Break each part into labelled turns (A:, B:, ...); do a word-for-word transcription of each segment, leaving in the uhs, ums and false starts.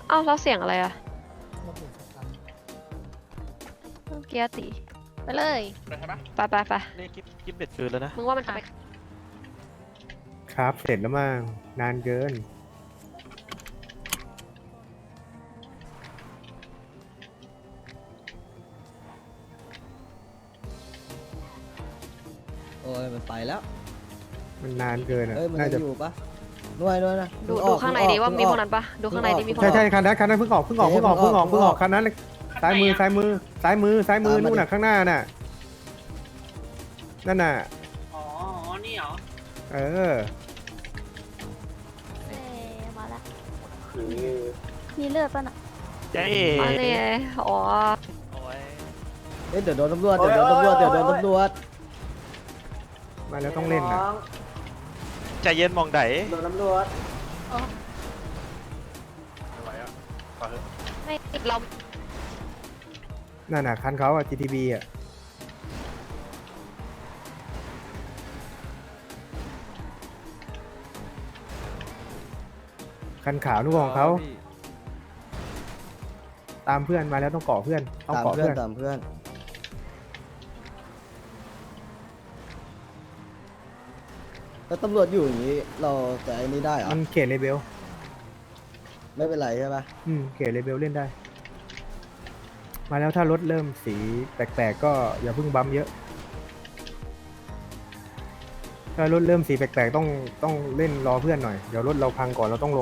A: อ้าวเราเสียงอะไรอะเกียร์ตีไปเลยไปไปไป
B: นี่กิ๊บกิ๊บเบ็ดคืนแล้วนะ
A: มึงว่ามันจะไป
C: ครับเสร็จแล้วมั้งนานเกิน
D: โอ้ยมันไปแล้ว
C: มันนานเกินอ่ะ
D: เอ้ยมัน
C: น่า
D: ยั
C: จะ
D: งอยู่ปะนวยนวยนะ
A: ดู
D: เพิ่
A: ดู
D: ออก
A: ข้างใน
D: เพิ่
A: ดีว่า
D: เพิ่
A: มี
D: อ
A: พ
D: อ
A: วกนั้นปะดูข้างในดิมีพวก
C: ใช่
A: นั้น
C: ใช่คันนั้นคันนั้นเพิ่งออกเพิ่งออกเพิ่งออกเพิ่งออกเพิ่งออก
D: เพิ่
C: เพิ่
D: ง
C: ง
D: อ
C: อ
D: อ
C: อก กคันนั้นซ้ายมือซ้ายมือซ้ายมือซ้ายมือ
D: ตามมา
C: นู่นน่ะ
D: ดิ
C: ข้างหน้าน่ะนั่นน่ะ
E: อ๋อ นี่เหรอ
C: เออ
F: เอ๊ะมาแล้วมีเลือดป่ะน่ะ
B: เจ๊
A: อันนี้อ๋อ
B: โอ้ย
D: เอ้ยเดี๋ยวโดนตำรวจเดี๋ยวโดนตำรวจเดี๋ยวโดนตำรวจ
C: มาแล้วต้องเล่นน่ะ
B: ใจเย็นมองได
E: โดนตำรวจ
B: ไม่ไหวอ่ะขอเถอะ
A: ไม่เรา
C: นั่นน่ะคันเขาอ่ะ จี ที บี อ่ะคันขาวนู่นของเขาตามเพื่อนมาแล้วต้องเกาะเพื่อนต้อง
D: ตาม
C: เกาะ
D: เพื่อน
C: เพื่อน
D: ตามเพื่อนแล้วตำรวจอยู่อย่างนี้เราจะไอ้นี้ได้เหรอ
C: มันเขตเลเบล
D: ไม่เป็นไรใช่ปะ
C: อืมเขตเลเบลเล่นได้ มาแล้วถ้ารถเริ่มสีแปลกๆก็อย่าเพิ่งบัมป์เยอะ ถ้ารถเริ่มสีแปลกๆต้องต้องเล่นรอเพื่อนหน่อย เดี๋ยวรถเราพังก่อนเราต้องลง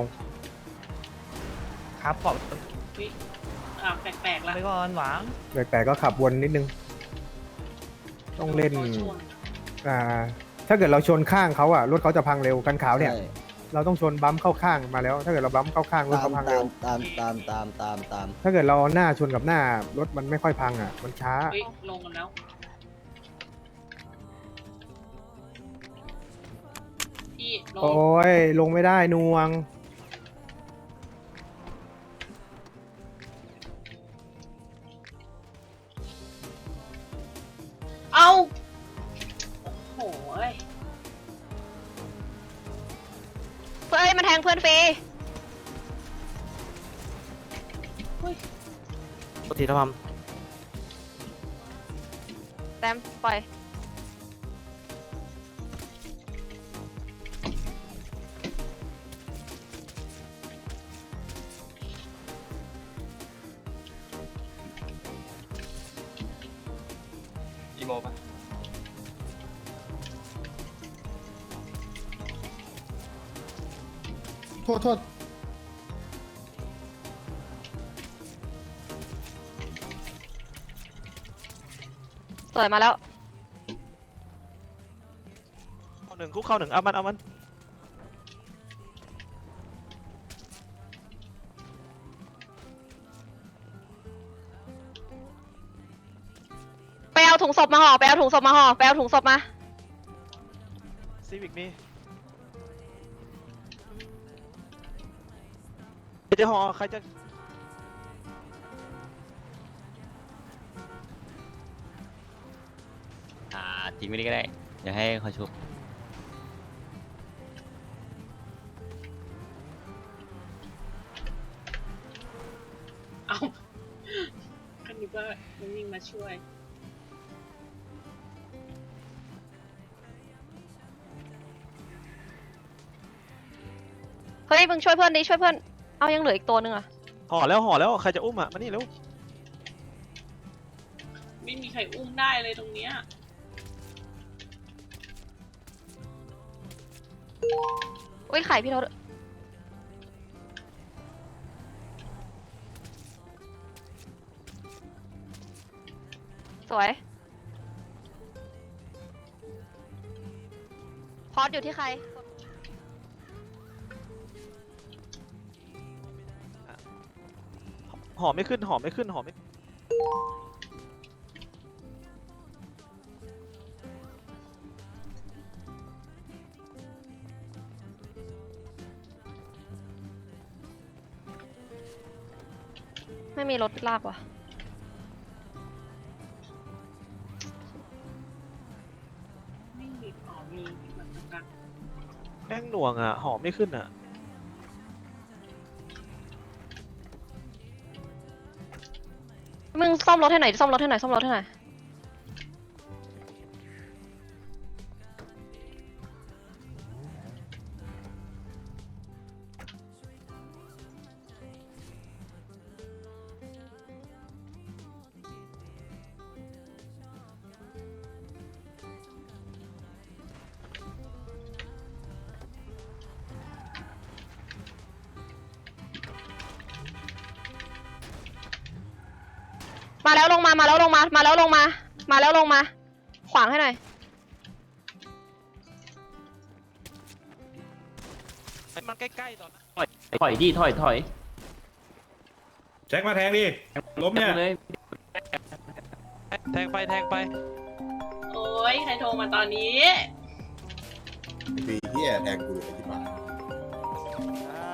B: ครับขอบ
E: อ่าแปลกๆละ
B: ไปก่อนหวัง
C: แปลกๆก็ขับวนนิดนึง ต้องเล่น
E: โดชน
C: อ่า ถ้าเกิดเราชนข้างเขาอ่ะรถเขาจะพังเร็วกันขาวเนี่ย
D: ใช่
C: เราต้องชนบัมป์เข้าข้างมาแล้ว ถ้าเกิดเราบัมป์เข้าข้างรถ
D: ตาม
C: เขาพัง
D: ตา
C: เร็ว
D: มตามตามตามตามตาม
C: ถ้าเกิดเราเอาหน้าชนกับหน้ารถมันไม่ค่อยพังอ่ะ มันช้า
E: เฮ้ย ลงกันแล้ว พี่ ลง
C: โอ้ยลงไม่ได้นวง
E: เอ้า โอ้โหย
A: เฮ้ยมันแทงเพื่อนฟรี
B: ปกติทำ
A: แต้มปล่อย
B: อีโมปะ
C: โทษโทษ
A: สวยมาแล้ว
B: เข้าหนึ่งคุกเข้าหนึ่งเอามันเอามัน
A: ไปเอาถุงศพมาห่อไปเอาถุงศพมาห่อไปเอาถุงศพมา
B: ซีวิกมีเดี๋ยวหอใครจะ
G: อ่าทิ้งไม่ได้ก็ได้เดี๋ยวให้เขาชุบ
E: เอ้าคันนี้ว่ามันวิ่งมาช่วย
A: เฮ้ยมึงช่วยเพื่อนดิช่วยเพื่อนเอายังเหลืออีกตัวนึงอะ
B: ห่อแล้วห่อแล้วใครจะอุ้มอ่ะมานี่เร็ว
E: ไม่มีใครอุ้มได้เลยตรงเนี้ย
A: อุ้ยไข่พี่โทษสวยพอดอยู่ที่ใคร
B: ห่อไม่ขึ้นห่อไม่ขึ้นห่อไม่
A: ไม่มีรถลากว่ะ
E: ไม่มีอ๋อมีเหมือนกัน
B: แม่งหน่วงอ่ะห่อไม่ขึ้นอ่ะ
A: มึงซ่อมรถให้หน่อยซ่อมรถให้หน่อยซ่อมรถให้หน่อยมาแล้วลงมามาแล้วลงมามาแล้วลงมามาแล้วลงมาขวางให้หน่อย
B: มันใกล้ๆตอนนั้น
H: ถอยดิถอยถอย
I: แจ็คมาแทงดิล้มเนี่ย
H: เลย
B: แทงไปแทงไป
E: โอ้ยใครโทรมาตอนนี้
F: ปีที่แทงกูเลยที่บ้าน